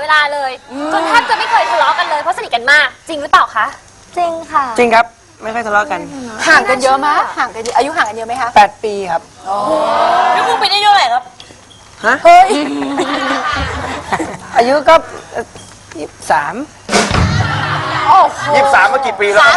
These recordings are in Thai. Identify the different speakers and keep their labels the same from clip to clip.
Speaker 1: เวลาเลยจนแทบจะไม่เคยทะเลาะกันเลยเพราะสนิทกันมากจริงหรือเปล่าคะ
Speaker 2: จริงค่ะ
Speaker 3: จริงครับไม่ค่อยทะเลาะกัน
Speaker 4: ห่างกันเยอะไหมห่างกันอายุห่างกันเยอะไหมคะ
Speaker 3: 8 ปีครับ
Speaker 1: พี่กุ้งปีนี้อายุเท่าไหร่ครับ
Speaker 3: ฮะเฮ้ยอายุก็23
Speaker 4: โอ้โห
Speaker 5: 23มากี่ปีแล้ว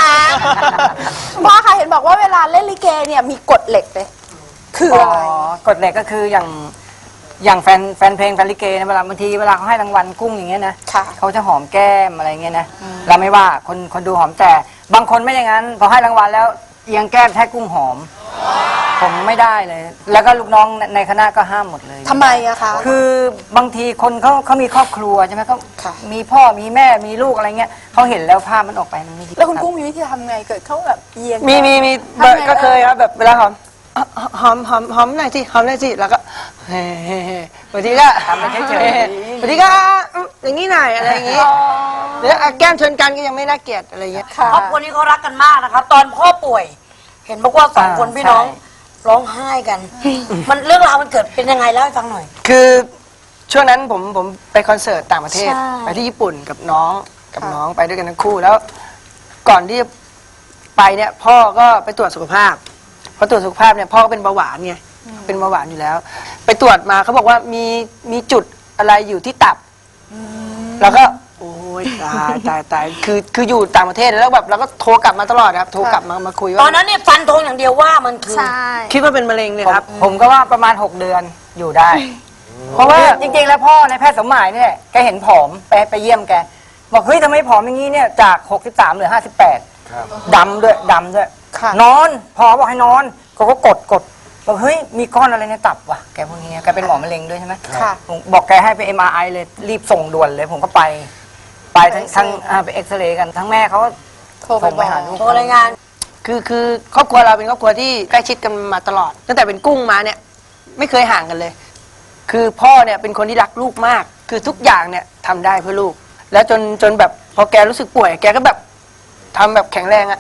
Speaker 4: 33พ่อค่ะเห็นบอกว่าเวลาเล่นลิเกเนี่ยมีกฎเหล็กเลยคืออะไร
Speaker 3: กฎเหล็กก็คืออย่างแฟนเพลงแฟนลิเกนะเวลาบางทีเวลาเขาให้รางวัลกุ้งอย่างเงี้ยนะเขาจะหอมแก้มอะไรเงี้ยนะเราไม่ว่าคนดูหอมแต่บางคนไม่อย่างนั้นพอให้รางวัลแล้วเอียงแก้มแท้กุ้งหอมผมไม่ได้เลยแล้วก็ลูกน้องในคณะก็ห้ามหมดเลย
Speaker 4: ทำไมอะคะ
Speaker 3: คือบางทีคนเขามีครอบครัวใช่ไหมเขามีพ่อมีแม่มีลูกอะไรเงี้ยเขาเห็นแล้วภาพมันออกไปมันไม่ดี
Speaker 4: แล้วคุณกุ้งมีวิธีทำไงเกิดเขาแบบเอียง
Speaker 3: มีก็เคยครับแบบเวลาหอมหน่อยสิหอมหน่อยสิแล้วก็เฮ้บางทีก็ทำไปเฉยๆบางทีก็อย่างนี้หน่อยอะไรอย่างงี้หรือแก้มชนกันก็ยังไม่น่าเกลียดอะไรเงี้ย
Speaker 6: ครอบครัวนี้เขารักกันมากนะครับตอนพ่อป่วยเห็นบอกว่า2 คนพี่น้องร้องไห้กันมันเรื่องราวมันเกิดเป็นยังไงเล่าให้ฟังหน่อย
Speaker 3: คือช่วงนั้นผมไปคอนเสิร์ตต่างประเทศไปที่ญี่ปุ่นกับน้องไปด้วยกันทั้งคู่แล้วก่อนที่จะไปเนี่ยพ่อก็ไปตรวจสุขภาพพอตรวจสุขภาพเนี่ยพ่อก็เป็นเบาหวานไงเป็นเบาหวานอยู่แล้วไปตรวจมาเขาบอกว่ามีจุดอะไรอยู่ที่ตับแล้วก็โอ้ยตายคืออยู่ต่างประเทศแล้วแบบเราก็โทรกลับมาตลอดครับโทรกลับมาคุยว่า
Speaker 6: ตอนนั้นเนี่ยฟันธงอย่างเดียวว่ามันคือ
Speaker 3: คิดว่าเป็นมะเร็งเลยครับผมก็ว่าประมาณ6 เดือนอยู่ได้เพราะว่าจริงๆแล้วพ่อในแพทย์สมหมายเนี่ยแกเห็นผอมไปเยี่ยมแกบอกเฮ้ยทำไมผอมอย่างนี้เนี่ยจาก63เหลือ58ดำด้วยนอนพอบอกให้นอนก็กดบอกเฮ้ยมีก้อนอะไรในตับวะแกพวกนี้แกเป็นหมอมะเร็งด้วยใช่ไหมบอกแกให้ไป MRI เลยรีบส่งด่วนเลยผมก็ไปทั้งไปเอ็กซเรย์กันทั้งแม่เขา
Speaker 4: โทรไปหาลูก
Speaker 6: โทรรายงาน
Speaker 3: คือครอบครัวเราเป็นครอบครัวที่ใกล้ชิดกันมาตลอดตั้งแต่เป็นกุ้งมาเนี่ยไม่เคยห่างกันเลยคือพ่อเนี่ยเป็นคนที่รักลูกมากคือทุกอย่างเนี่ยทำได้เพื่อลูกแล้วจนแบบพอแกรู้สึกป่วยแกก็แบบทำแบบแข็งแรงอะ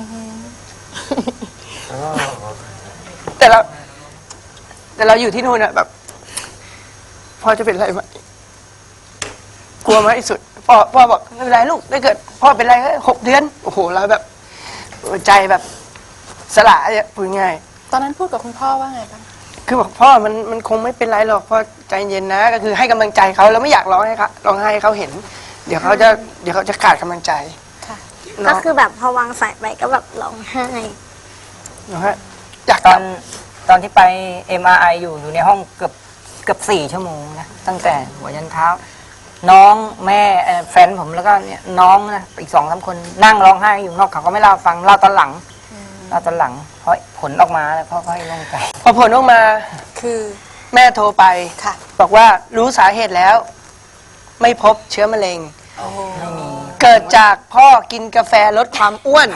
Speaker 3: แต่เราอยู่ที่นู่นอะแบบพ่อจะเป็นอะไรไหมกลัวมากที่สุดพ่อบอกไม่เป็นไรลูกถ้าเกิดพ่อเป็นอะไรก็6 เดือนโอ้โหเราแบบใจแบบสละเนี่ยพูดง่าย
Speaker 4: ตอนนั้นพูดกับคุณพ่อว่าไงบ้าง
Speaker 3: คือบอกพ่อมันคงไม่เป็นไรหรอกพ่อใจเย็นนะก็คือให้กำลังใจเขาแล้วไม่อยากร้องให้เขาเห็นเดี๋ยวเขาจะขาดกำลังใจ
Speaker 2: ก็คือแบบพอวางสายไปก็แบบร้องไห้
Speaker 3: นะฮะจากตอนที่ไป MRI อยู่ในห้องเกือบ4 ชั่วโมงนะตั้งแต่หัวยันเท้าน้องแม่แฟนผมแล้วก็เนี่ยน้องนะอีก2-3 คนนั่งร้องไห้อยู่นอกเขาก็ไม่เล่าฟังเล่าตอนหลังเพราะผลออกมาแล้วพ่อก็ให้โล่งใจพอผลออกมา
Speaker 4: คือ
Speaker 3: แม่โทรไปบอกว่ารู้สาเหตุแล้วไม่พบเชื้อมะเร็งเกิดจากพ่อกินกาแฟลดความอ้วน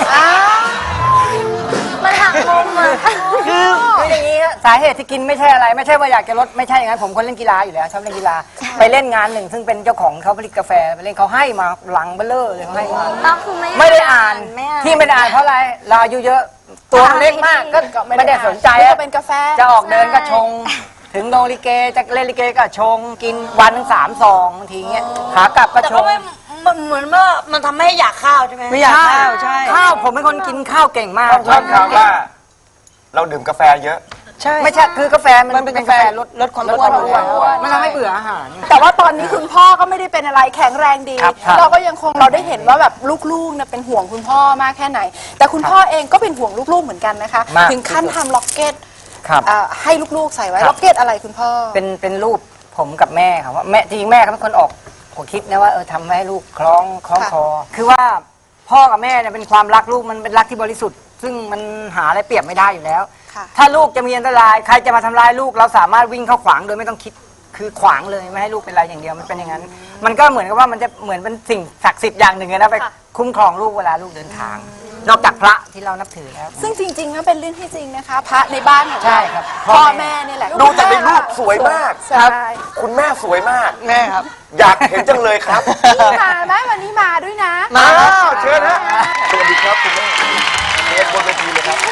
Speaker 2: มันหักมุมอะ
Speaker 3: คืออย่างนี้สาเหตุที่กินไม่ใช่อะไรไม่ใช่ว่าอยากจะลดไม่ใช่อย่างนั้นผมคนเล่นกีฬาอยู่แล้วชอบเล่นกีฬาไปเล่นงานหนึ่งซึ่งเป็นเจ้าของเขาผลิตกาแฟไปเล่นเขาให้มาหลังเบลเลอร์เลยเขาให้มาไม่ได้อ่านที่ไม่ได้อ่านเพราะอะไรเราอายุเยอะตัวเล็กมากก็ไม่ได้สนใจ
Speaker 4: เป็นกาแฟ
Speaker 3: จะออกเดินก็ชงถึงโรงลิเกจะเล่นลิเกก็ชงกินวันถึง3 ซองบางทีเงี้ยขากลับก็ชง
Speaker 6: มันเหมือนว่ามันทำให้อยากข้าวใช่ไหม
Speaker 3: ไม่อยากข้าวใช่ข้าวผมเป็นคนกินข้าวเก่งมาก
Speaker 5: ชอบข่าวว่าเราดื่มกาแฟเยอะ
Speaker 3: ใช่ไม่ใช่คือกาแฟมันเป็นกาแฟลดความอ้วนมันทำให้เบื่ออาหาร
Speaker 4: แต่ว่าตอนนี้คุณพ่อก็ไม่ได้เป็นอะไรแข็งแรงดีเราก็ยังคงเราได้เห็นว่าแบบลูกๆเนี่ยเป็นห่วงคุณพ่อมากแค่ไหนแต่คุณพ่อเองก็เป็นห่วงลูกๆเหมือนกันนะคะถึงขั้นทำล็อกเก็ตให้ลูกๆใส่ไว้ล็อกเก็ตอะไรคุณพ่อ
Speaker 3: เป็นรูปผมกับแม่ครับว่าแม่จริงแม่เขาเป็นคนออกผมคิดนะว่าทำให้ลูกคล้องคอคือว่าพ่อกับแม่เนี่ยเป็นความรักลูกมันเป็นรักที่บริสุทธิ์ซึ่งมันหาอะไรเปรียบไม่ได้อยู่แล้วถ้าลูกจะมีอันตรายใครจะมาทำร้ายลูกเราสามารถวิ่งเข้าขวางโดยไม่ต้องคิดคือขวางเลยไม่ให้ลูกเป็นอะไรอย่างเดียวมันเป็นอย่างนั้นมันก็เหมือนกับว่ามันจะเหมือนเป็นสิ่งศักดิ์สิทธิ์อย่างหนึ่งนะไปคุ้มครองลูกเวลาลูกเดินทางนอกจากพระที่เรานับถือแล้ว
Speaker 4: ซึ่งจริงๆนะเป็นเรื่องที่จริงนะคะพระในบ้านของเรา
Speaker 3: ใช่ครับ
Speaker 4: พ่อแม่นี่แหละ
Speaker 5: ดูแต่ในรูปสวยมากครับคุณแม่สวยมาก
Speaker 3: แม่ครับ
Speaker 5: อยากเห็นจังเลยครับ
Speaker 4: นี่มาไหมวันนี้มาด้วยนะ
Speaker 5: มาเชิญนะสวัสดีครับคุณแม่เรียนบนเวทีเลยครับ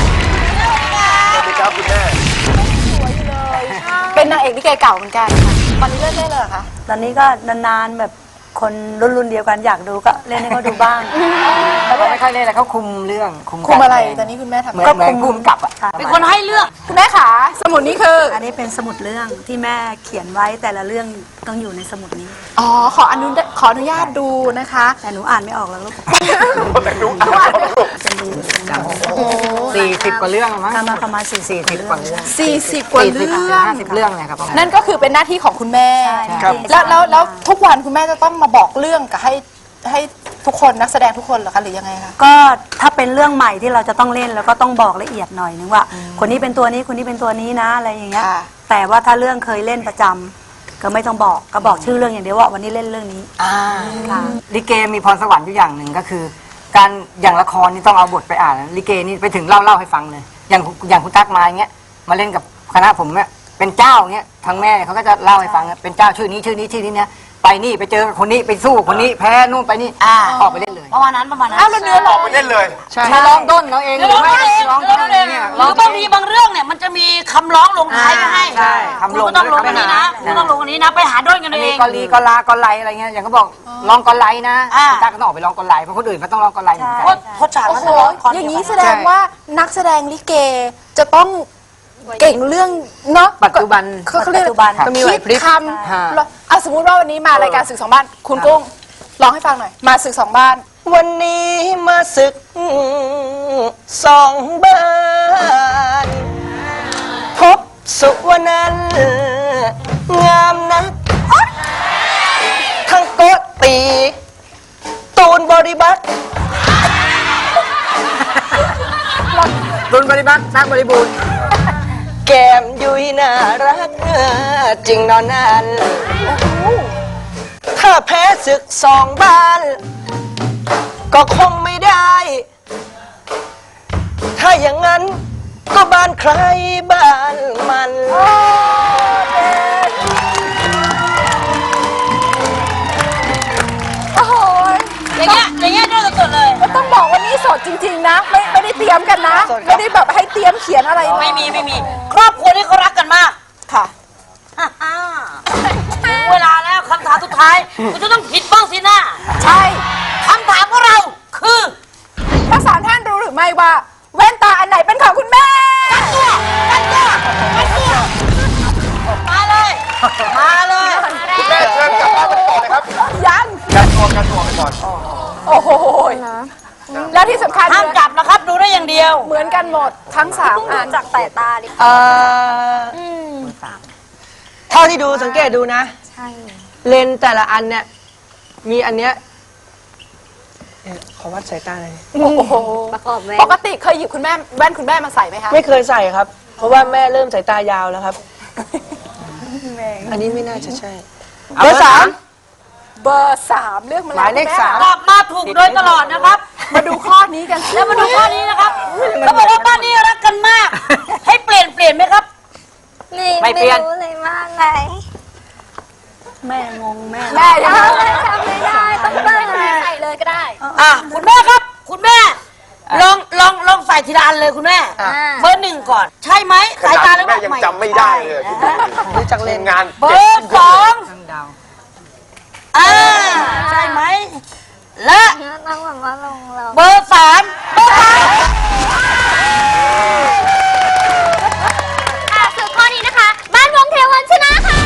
Speaker 5: สวัสดีครับคุณแม่
Speaker 4: สวยเลยเป็นนางเอกลิเกเก่าเหมือนกันค่ะตอนนี้เลิกได้เลยเหรอคะ
Speaker 7: ตอนนี้ก็นานๆแบบคนรุ่นเดียวกันอยากดูก็เล่นให้เขาดูบ้าง
Speaker 3: เขาไม่ค่อยเล่นแล้วเขาคุมเรื่อง
Speaker 4: คุมอะไรตอนนี้คุณแม่ทำ
Speaker 3: เหมือนคุมกับอ่ะ
Speaker 6: เป็นคนให้เลือก
Speaker 4: คุณแม่ขาสมุดนี้คือ
Speaker 7: อันนี้เป็นสมุดเรื่องที่แม่เขียนไว้แต่ละเรื่องต้องอยู่ในสมุดนี้
Speaker 4: อ๋อขออนุญาตดูนะคะ
Speaker 7: แต่หนูอ่านไม่ออกแล้วลูก
Speaker 5: แต่นุ๊กอ่านลูก
Speaker 3: 40 กว่าเรื่องมั้ง
Speaker 7: ทำมาประมาณ
Speaker 3: 40 กว่าเรื่อง
Speaker 4: 40 กว่าเรื่อง
Speaker 3: 50 เรื่องเลยครับประมาณ
Speaker 4: นั่นก็คือเป็นหน้าที่ของคุณแม่
Speaker 3: ครับ
Speaker 4: แล้วทุกวันคุณแม่จะต้องมาบอกเรื่องกับให้ทุกคนนักแสดงทุกคนเหรอคะหรือยังไงคะ
Speaker 7: ก็ถ้าเป็นเรื่องใหม่ที่เราจะต้องเล่นแล้วก็ต้องบอกละเอียดหน่อยนึงว่า คนนี้เป็นตัวนี้คนนี้เป็นตัวนี้นะอะไรอย่างเงี้ย
Speaker 4: ค่ะ
Speaker 7: แต่ว่าถ้าเรื่องเคยเล่นประจำก็ไม่ต้องบอกก็บอกชื่อเรื่องอย่างเดียวว่าวันนี้เล่นเรื่องนี้ค่ะ
Speaker 3: ลิเกมีพรสวรรค์อยู่อย่างหนึ่งก็คือ การอย่างละครนี่ต้องเอาบทไปอ่านลิเกนี่ไปถึงเล่าให้ฟังเลย อย่างคุณตั๊กมาอย่างเงี้ยมาเล่นกับคณะผมเนี่ยเป็นเจ้าเงี้ยทางแม่เขาก็จะเล่าให้ฟังเป็นเจ้าชื่อนี้ชื่อนี้ชื่อนี้เนี่ยไปนี่ไปเจอคนนี้ไปสู้คนนี้แพ้นู่นไปนี่ออกไปเล่นเลย
Speaker 6: ประมาณนั้นประมาณนั้น
Speaker 4: อ้าวแล้วเนื้อ
Speaker 5: อ
Speaker 4: ร้
Speaker 5: อ
Speaker 4: อก ง
Speaker 5: ไปเล่นเลย
Speaker 3: มาร้องด้นเราเอง
Speaker 6: เดี๋ยวร้องเอง
Speaker 3: ร้อง
Speaker 6: เดี๋ยว
Speaker 3: ด้
Speaker 6: ร้อน ง
Speaker 3: เอ
Speaker 6: เอง ง
Speaker 3: เนี่ย
Speaker 6: หรือบางทีบางเรื่องเนี่ยมันจะมีคำร้องลงท้ายไว้ให้
Speaker 3: ใช่คำลง
Speaker 6: คุณก็ต้องลงอันนี้นะคุณต้องลงอันนี้นะไปหาด้นกัน
Speaker 3: อัน
Speaker 6: เอ
Speaker 3: นี้
Speaker 6: ง
Speaker 3: กอลีกอลากอไลอะไรเงี้ยอย่างเขาบอกร้องกอไลนะคุณตั๊กก็ต้องออกไปร้องกอไลเพราะคนอื่นเขาต้องร้องกอไลเหมือนกัน
Speaker 6: เพราะฉาก
Speaker 4: โอ้
Speaker 6: นั้น
Speaker 4: โห
Speaker 6: จะร้องคอน
Speaker 4: อย่าง
Speaker 6: นี้
Speaker 4: นี้แสดงว่านักแสดงลิเกจะต้องเก่งเรื่องเนาะ
Speaker 3: ปัจจุบัน
Speaker 4: เขาเรียก
Speaker 7: ปัจจุบัน
Speaker 3: ต้องมีไหวพริ
Speaker 4: คิ
Speaker 3: บ
Speaker 4: ดคำแล้วสมมติว่าวันนี้มารายการศึกสองบ้านคุณกุ้งร้องให้ฟังหน่อยมาศึกสองบ้าน
Speaker 8: วันนี้มาศึกสองบ้าน พบสุวรรณันงามนักทั้งโกตี ตูนบริบัติ
Speaker 3: รุนบริบัตินักบริบูรณ์
Speaker 8: แก้มยุยน่ารักจริงนอนนันถ้าแพ้ศึกสองบ้าน ก็คงไม่ได้ ถ้าอย่างนั้นก็บ้านใครบ้านมัน
Speaker 4: โอ้โห
Speaker 6: อย่างเงี้ยด้วยสดๆเลย
Speaker 4: ต้องบอกว่านี่สดจริง ๆ นะ ไม่ได้เตรียมกันนะ ไม่ได้แบบให้เตรียมเขียนอะไร
Speaker 6: ไม่มีครอบครัวนี้เขารักกันมาก
Speaker 4: ค่ะ
Speaker 6: ถึงเวลาแล้วคำถามสุดท้ายคุณจะต้องผิดบ้างสินะ
Speaker 4: ใช่
Speaker 6: คำถามของเราคือ
Speaker 4: ทั้งสามท่านรู้หรือไม่ว่าแว่นตาอันไหนเป็นของคุณแม่
Speaker 6: มาเลยมาเลย
Speaker 5: คุณแม่เชิญกลับบ้านไปก่อนเลยครับ
Speaker 4: ยัง
Speaker 5: การตัวไปก่อน
Speaker 4: โอ้โหแล้วที่สำคัญ
Speaker 6: ห้ามกลับนะครับดูได้อย่างเดียว
Speaker 4: เหมือนกันหมดทั้งสามอัน
Speaker 2: จากสายตาดิ
Speaker 8: เท่าที่ดูสังเกตดูนะ เลนส์แต่ละอันเนี่ย มีอันเนี้ยขอวัดสายตาหน่อย
Speaker 4: โอ้โห
Speaker 2: ประกอบแว่
Speaker 4: ป
Speaker 2: น
Speaker 4: กติเคยหยิบคุณแม่แว่นคุณแม่มาใส่ไหมคะ
Speaker 8: ไม่เคยใส่ครับ เพราะว่าแม่เริ่มสายตายาวแล้วครับ อันนี้ไม่น่าจะใช่
Speaker 3: เบอร์
Speaker 4: เบอร์สามเลือกมา
Speaker 3: หมายเลข
Speaker 4: คุณแ
Speaker 3: สาม
Speaker 6: กลับมาถูกโดยตลอดนะครับ
Speaker 4: มาดูข้อนี้กันสิ
Speaker 6: แล้วมาดูข้อนี้นะครับเขาบอกว่าบ้านนี้รักกันมาก ให้เปลี่ยนไหมครับ
Speaker 3: ไม่เปลี่ยน
Speaker 2: รู้เลยว่าอะไร
Speaker 7: แม่งงแม่
Speaker 4: แม่ยังไง
Speaker 2: จำไม่ได้ต้องเติมใส่เลยก็ได้
Speaker 6: คุณแม่ครับ คุณแม่ลองใส่ทีละอันเลยคุณแม่เบอร์หนึ่งก่อน ใช่ไหม
Speaker 5: ข
Speaker 6: สาย
Speaker 5: นาด
Speaker 6: ตา
Speaker 5: คุณแม่ยังจำไม่ได้เลย
Speaker 8: ดูจากเลนส์
Speaker 5: งาน
Speaker 6: เบอร์สอง
Speaker 3: ทั้งดาว
Speaker 6: ใช่ไหมและ
Speaker 2: ต้องแบบว่าลงเรา
Speaker 6: เบอร์สาม
Speaker 1: สุดข้อนี้นะคะ บ้านวงเทวันชนะค่ะ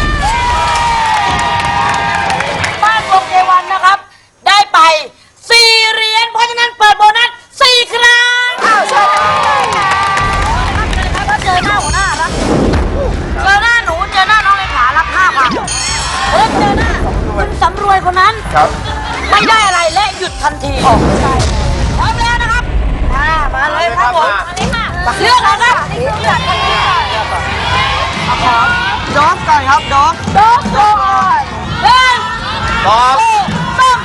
Speaker 6: บ้านวงเทวันนะครับ ได้ไป4เหรียญเพราะฉะนั้นเปิดโบนัส4ครั้ง
Speaker 4: เชิญเลยค่ะ
Speaker 6: ถ้าเจอหน้าหัวหน้ารับเจอหน้าหนูเจอหน้าน้องเลขารับ5,000เจอหน้าคุณสำรวยคนนั้น
Speaker 5: ครับ
Speaker 6: ไม่ได้อะไรและหยุดทันทีพร้อมแล้วนะครับมาเลยครับผม
Speaker 5: มาเลยค่ะ
Speaker 6: เลือกเลยครับ
Speaker 8: ดอกก่อนครับดอก
Speaker 6: หนึ่ง
Speaker 5: ตอบ
Speaker 6: สอง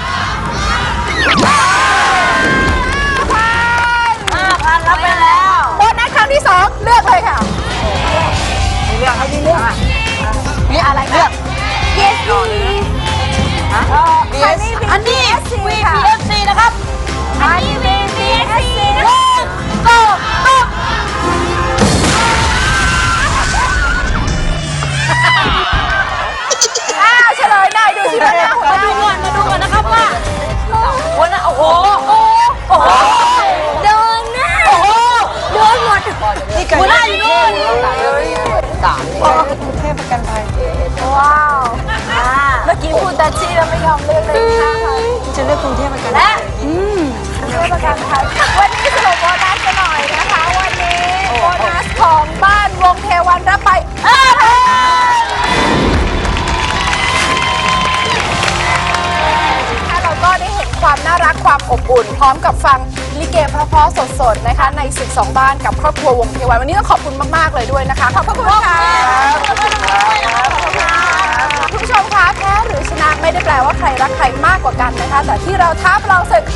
Speaker 6: 5,000รับไปแล้ว
Speaker 4: โบนัสครั้งที่สองเลือกเลยค่ะ
Speaker 3: มีเรื่องให้ดีเรื่อง
Speaker 4: มีอะไรเลือก
Speaker 2: yes please
Speaker 6: อันนี้ VPSC นะครับ
Speaker 2: อันนี้ VPSC
Speaker 6: หนึ่งสองสามดูก่อนนะครับว่าหัวหน้าโอ้โหโอ้โห
Speaker 2: โดนแน่โดนหมด
Speaker 6: หัวหน้าอยู่นู่น
Speaker 2: ว้าวเมื่อกี้พูดแต่ชี้แล้วไม่ยอมเลือกเลยค่ะ
Speaker 7: จะเลือกกรุงเทพเหมือนกัน
Speaker 2: และเลือกประกันภัยวันนี้สรุปโบนัสกันหน่อยนะคะ วันนี้โบนัสของบ้านวงเทวันรับไปเราก็ได้เห็นความน่ารักความอบอุ่น พร้อมกับฟังลิเกเพราะๆสดๆนะคะในศึก2บ้านกับครอบครัววงเทวันวันนี้ต้องขอบคุณมากๆเลยด้วยนะคะขอบพระคุณค่ะคุณผู้ชมคะแพ้หรือชนะไม่ได้แปลว่าใครรักใครมากกว่ากันนะคะแต่ที่เราท้าประลองศึก